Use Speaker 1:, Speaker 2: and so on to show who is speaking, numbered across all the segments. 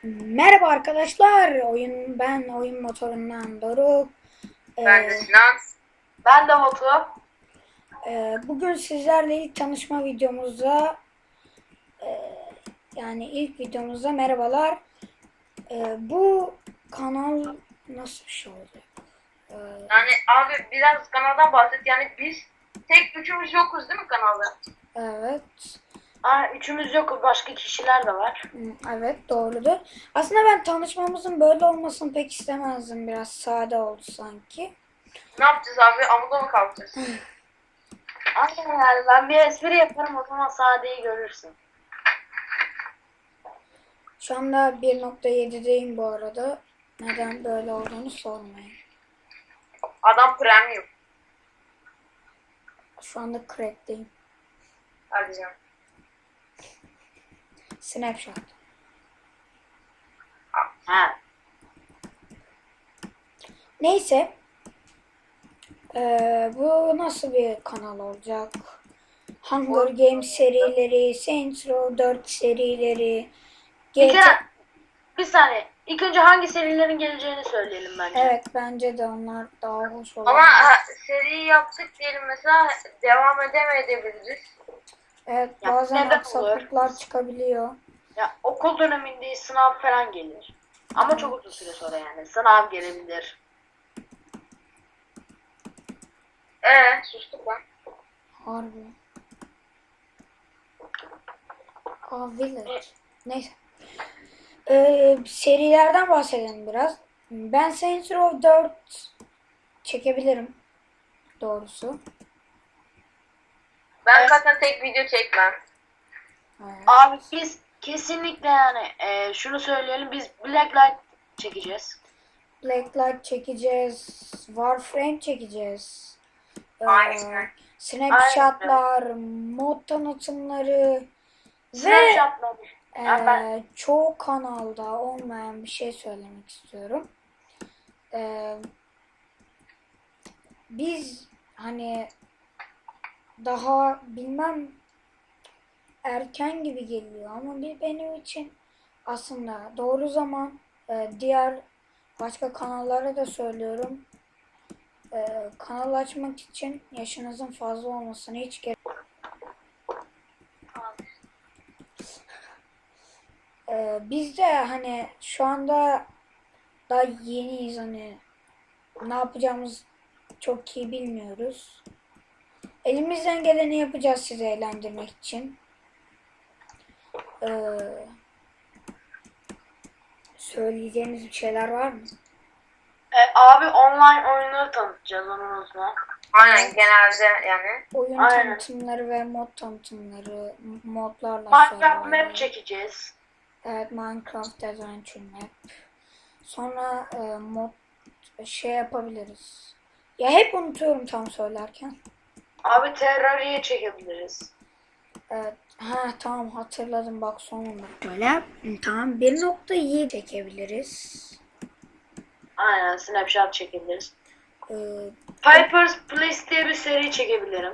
Speaker 1: Merhaba arkadaşlar. Ben oyun motorundan Doruk.
Speaker 2: Ben de
Speaker 1: Ee,
Speaker 2: Sinan. Ben de Batu.
Speaker 1: Bugün sizlerle ilk tanışma videomuzda yani ilk videomuzda merhabalar. Bu kanal nasıl bir şey olacak? Ee,
Speaker 2: Yani abi biraz kanaldan bahset. Yani biz tek üçümüz yokuz değil mi kanalda?
Speaker 1: evet.
Speaker 2: Üçümüz yok. Başka kişiler de var.
Speaker 1: Evet, doğrudur. Aslında ben tanışmamızın böyle olmasını pek istemezdim. Biraz sade oldu sanki.
Speaker 2: Ne yapacağız abi? Amuda mı kalkacağız? Aynen yani ben bir espri yaparım o zaman sadeyi görürsün.
Speaker 1: Şu anda 1.7'deyim bu arada. Neden böyle olduğunu sormayın.
Speaker 2: Adam premium.
Speaker 1: Şu anda crack'teyim.
Speaker 2: Hadi canım.
Speaker 1: Snapshot.
Speaker 2: Ha.
Speaker 1: Neyse. Bu nasıl bir kanal olacak? Hunger Games serileri, Saints Row 4 serileri,
Speaker 2: Bir
Speaker 1: GTA...
Speaker 2: kere bir saniye. İlk önce hangi serilerin geleceğini söyleyelim bence.
Speaker 1: Evet, bence de onlar daha hoş olur.
Speaker 2: Ama seriyi yaptık diyelim mesela devam edemeyebiliriz.
Speaker 1: Evet,
Speaker 2: Ya,
Speaker 1: bazen
Speaker 2: neden
Speaker 1: aksaklıklar çıkabiliyor.
Speaker 2: Ya okul döneminde sınav falan gelir. Ama çok uzun süre sonra yani. Sınav gelebilir. Sustuk lan.
Speaker 1: Harbi. Village. Neyse. Serilerden bahsedelim biraz. Ben Saints Row 4 çekebilirim. Doğrusu.
Speaker 2: Ben zaten tek video çekmem.
Speaker 1: Evet.
Speaker 2: Abi biz kesinlikle yani şunu söyleyelim, biz Blacklight çekeceğiz.
Speaker 1: Blacklight çekeceğiz. Warframe çekeceğiz.
Speaker 2: Aynen.
Speaker 1: Snapshotlar, mod tanıtımları ve
Speaker 2: Snapchat'la
Speaker 1: çoğu kanalda olmayan bir şey söylemek istiyorum. Biz hani daha bilmem erken gibi geliyor ama benim için aslında doğru zaman. Diğer başka kanallara da söylüyorum. Kanal açmak için yaşınızın fazla olmasına hiç gerek. Biz de hani şu anda daha yeniyiz, hani ne yapacağımız çok iyi bilmiyoruz. Elimizden geleni yapacağız sizi eğlendirmek için. Söyleyeceğiniz bir şeyler var mı?
Speaker 2: abi online oyunları tanıtacağız, onu unutma. Aynen,
Speaker 1: Evet.
Speaker 2: genelde yani.
Speaker 1: Oyun
Speaker 2: Aynen.
Speaker 1: tanıtımları ve mod tanıtımları, modlarla
Speaker 2: Minecraft
Speaker 1: serverlar.
Speaker 2: map çekeceğiz.
Speaker 1: Evet, Minecraft Adventure Map. Sonra mod şey yapabiliriz. Ya hep unutuyorum tam söylerken.
Speaker 2: Abi Terraria'yı çekebiliriz.
Speaker 1: Evet. Ha tamam, hatırladım bak sonunda. Böyle tamam, 1.7 çekebiliriz.
Speaker 2: Aynen, Snapchat çekebiliriz.
Speaker 1: Ee,
Speaker 2: Piper's Place diye bir seri çekebilirim.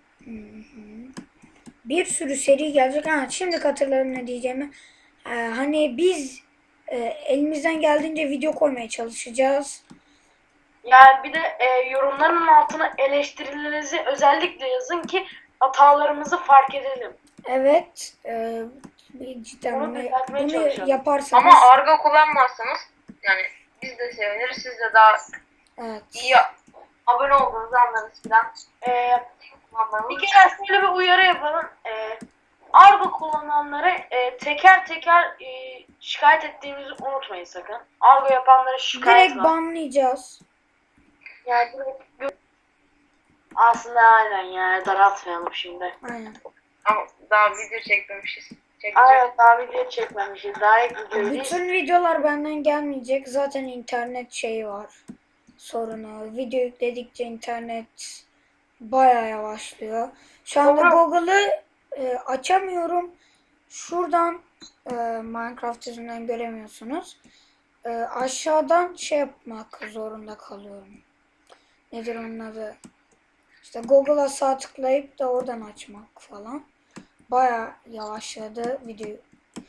Speaker 1: Bir sürü seri gelecek. Ha, şimdi hatırladım ne diyeceğimi. Hani biz elimizden geldiğince video koymaya çalışacağız.
Speaker 2: Yani bir de yorumların altına eleştirilerinizi özellikle yazın ki hatalarımızı fark edelim.
Speaker 1: Evet. Cidden
Speaker 2: Onu düzeltmeye
Speaker 1: bunu
Speaker 2: çalışalım.
Speaker 1: yaparsanız.
Speaker 2: Ama argo kullanmazsanız yani biz de seviniriz. Siz de daha
Speaker 1: Evet.
Speaker 2: iyi abone olduğunuzu anlarız filan. Bir kere şöyle bir uyarı yapalım. Argo kullananları teker teker şikayet ettiğimizi unutmayın sakın. Argo yapanlara şikayet
Speaker 1: Direkt
Speaker 2: var.
Speaker 1: banlayacağız.
Speaker 2: Yani aslında aynen yani daraltmayalım şimdi.
Speaker 1: Aynen.
Speaker 2: Ama daha video çekmemişiz. Aynen, daha video çekmemişiz. Daha ilk videoyu
Speaker 1: Bütün videolar benden gelmeyecek. Zaten internet şeyi var. Sorunu. Video yükledikçe internet bayağı yavaşlıyor. Şu anda Google'ı açamıyorum. Şuradan Minecraft yüzünden göremiyorsunuz. Aşağıdan şey yapmak zorunda kalıyorum. Nedir onun adı? İşte Google'a sağ tıklayıp da oradan açmak falan. Bayağı yavaşladı video.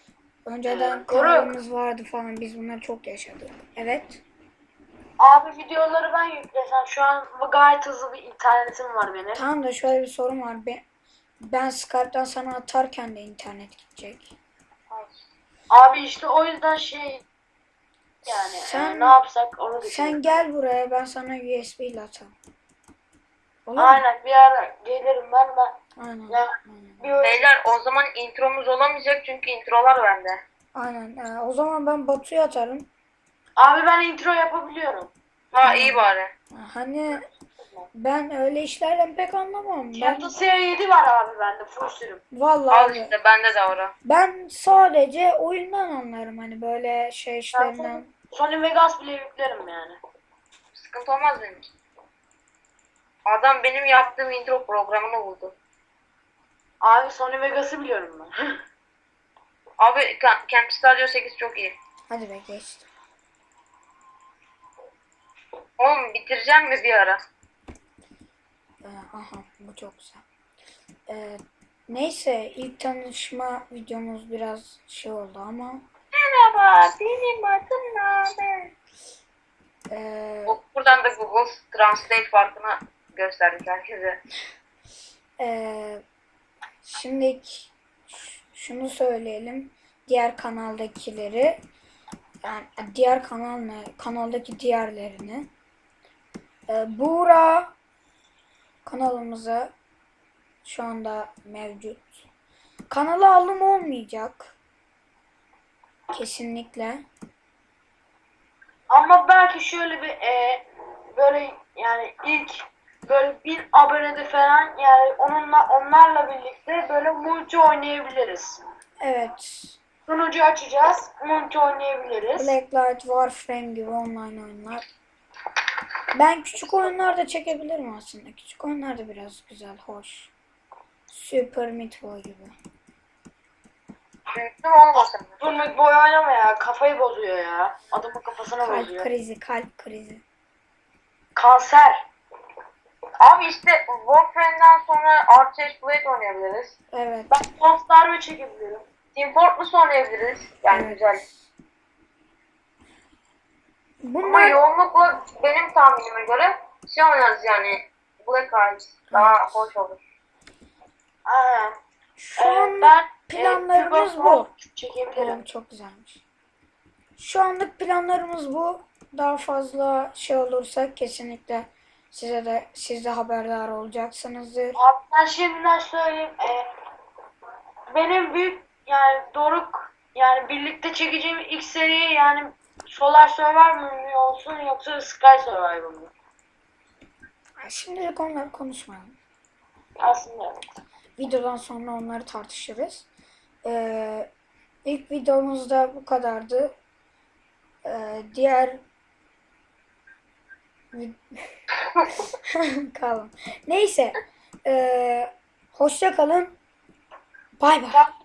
Speaker 1: Önceden
Speaker 2: Doruk.
Speaker 1: kanalımız vardı falan. Biz bunları çok yaşadık. Evet.
Speaker 2: Abi videoları ben yüklesem şu an gayet hızlı bir internetim var benim.
Speaker 1: Tamam da şöyle bir sorun var. Ben Skype'dan sana atarken de internet gidecek.
Speaker 2: Abi işte o yüzden şey yani
Speaker 1: Sen-
Speaker 2: ne yapsak onu düşünüyorum.
Speaker 1: Sen gel buraya, ben sana USB ile atarım. Olur mu?
Speaker 2: Aynen bir ara gelirim ben.
Speaker 1: Aynen.
Speaker 2: Ya,
Speaker 1: Aynen.
Speaker 2: bir
Speaker 3: Beyler o zaman intromuz olamayacak çünkü introlar bende.
Speaker 1: Aynen. O zaman ben Batu'ya atarım.
Speaker 2: Abi ben intro yapabiliyorum.
Speaker 3: Ha iyi bari.
Speaker 1: Hani ben öyle işlerden pek anlamam. Ben
Speaker 2: Camtasia 7 var abi bende full sürüm.
Speaker 1: vallahi
Speaker 3: Al
Speaker 1: abi,
Speaker 3: işte bende de ora.
Speaker 1: ben sadece oyundan anlarım, hani böyle şey işlerinden.
Speaker 2: Sony Vegas bile yüklerim yani.
Speaker 3: Sıkıntı olmaz benim için. Adam benim yaptığım intro programını buldu.
Speaker 2: Abi Sony Vegas'ı biliyorum ben.
Speaker 3: Abi Camp Studio 8 çok iyi.
Speaker 1: Hadi be geçti.
Speaker 3: Oğlum bitireceğim mi bir ara?
Speaker 1: Aha, bu çok güzel. Neyse, ilk tanışma videomuz biraz şey oldu ama
Speaker 3: Merhaba benim adım Naber.
Speaker 1: e,
Speaker 3: Buradan da Google Translate farkını gösterdik herkese.
Speaker 1: şimdi şunu söyleyelim. Diğer kanaldakileri, yani diğer kanal ne? Kanaldaki diğerlerini. Buğra kanalımıza şu anda mevcut. Kanala alım olmayacak. Kesinlikle.
Speaker 2: Ama belki şöyle bir böyle yani ilk böyle 1000 abonede falan yani onlarla birlikte böyle multi oynayabiliriz.
Speaker 1: Evet.
Speaker 2: Sunucu açacağız, multi oynayabiliriz.
Speaker 1: Blacklight, Warframe gibi online oyunlar. Ben küçük oyunlar da çekebilirim aslında. Küçük oyunlar da biraz güzel, hoş. Super Meat Boy gibi.
Speaker 3: Büyüktüm olmasın.
Speaker 2: Dur Meat Boy oynama ya, kafayı bozuyor ya. Adamın kafasına
Speaker 1: Kalp
Speaker 2: bozuyor.
Speaker 1: krizi, kalp krizi.
Speaker 2: Kanser.
Speaker 3: Abi işte Warframe'den sonra Archage Blade oynayabiliriz.
Speaker 1: Evet.
Speaker 2: Ben Pons darbe çekebilirim.
Speaker 3: Team Fortress oynayabiliriz. Yani
Speaker 1: Evet.
Speaker 3: güzel. Ama
Speaker 1: Bunlar
Speaker 3: yoğunlukla benim tahminime göre şey oynarız yani Black Eyes daha hoş olur.
Speaker 2: Aynen.
Speaker 1: şu an
Speaker 2: Ben
Speaker 1: planlarımız
Speaker 2: Küba
Speaker 1: bu.
Speaker 2: çekebilirim.
Speaker 1: Tamam, çok güzelmiş. Şu anlık planlarımız bu. Daha fazla şey olursa kesinlikle siz de haberdar olacaksınızdır.
Speaker 2: Abi ben şimdiden söyleyeyim. Benim büyük yani Doruk yani birlikte çekeceğim ilk seri yani Solar Survivor mu olsun yoksa Sky Survivor mu?
Speaker 1: Şimdilik onları konuşmayalım.
Speaker 2: Aslında evet.
Speaker 1: Videodan sonra onları tartışırız. İlk videomuzda bu kadardı. Diğer kalın. Neyse. Hoşça kalın. Bay bay.